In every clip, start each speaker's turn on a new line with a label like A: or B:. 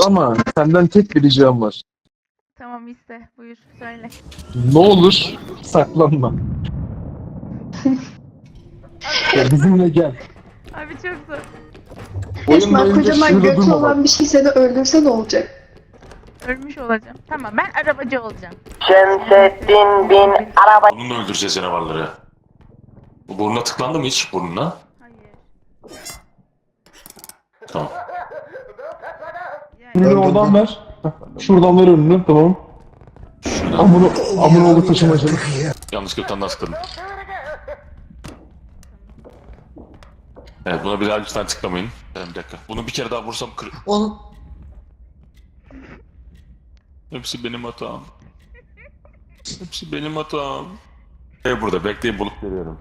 A: ama senden tek bir ricam var.
B: Tamam iste. Buyur söyle.
A: Ne olur saklanma. Ya bizimle gel.
B: Abi çok zor.
A: Oyun
C: Esma
A: boyunca
C: kocaman
A: şurada
C: götü
A: durma bak.
C: olan bir şey seni öldürse ne olacak?
B: Ölmüş olacağım. Tamam ben arabacı olacağım.
D: Şemsettin bin araba.
E: Bununla öldüreceğiz canavarları. Bu burnuna tıklandı mı hiç burnuna?
B: Hayır.
E: Tamam.
B: Yani
A: Önünü oradan ver. Şuradan ver önünü, tamam. Amına taşımacılık.
E: Yanlışlıkla bir tane daha tıkladım. Evet buna bir daha lütfen tıklamayın. Bir dakika. Bunu bir kere daha vursam
F: Oğlum
E: Hepsi benim hatam. Hepsi benim hatam. Burada bekleyin bulup geliyorum.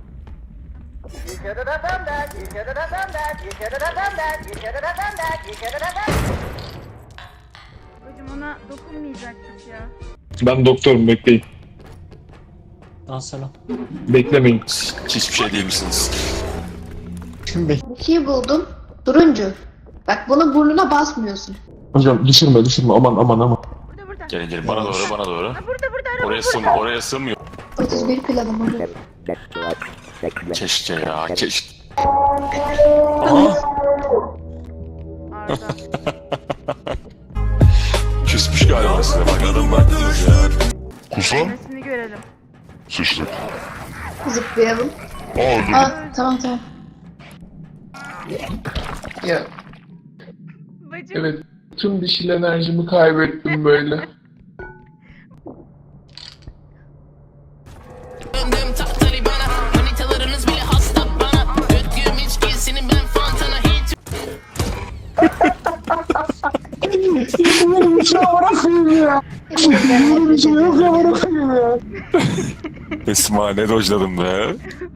B: hocam ona dokunmayacaktık ya.
A: Ben doktorum, bekleyin.
F: selam.
A: Beklemeyin.
E: Hiçbir şey değil misiniz?
C: Bir şey buldum. Turuncu. Bak bunu burnuna basmıyorsun.
A: Hocam düşürme aman.
B: Burada.
E: Gelin bana doğru.
B: Ha, burada araba.
E: Oraya sığmıyor.
C: 31 planım hocam.
E: Keşke ya keşke.
B: Arda.
E: Küsmüş galiba size bak adam baktınız ya.
G: Kusan
B: Ölmesini görelim.
G: sıçtık.
C: Zıplayalım.
G: Öldürdüm.
C: Tamam.
A: Ya
B: Bacım.
A: evet, tüm dişil enerjimi kaybettim böyle.
H: Döndüm Talibana, manitalarınız bile hasta bana. Döktüğüm içkisini ben fantana hiç.
E: Esma ne dojladım be.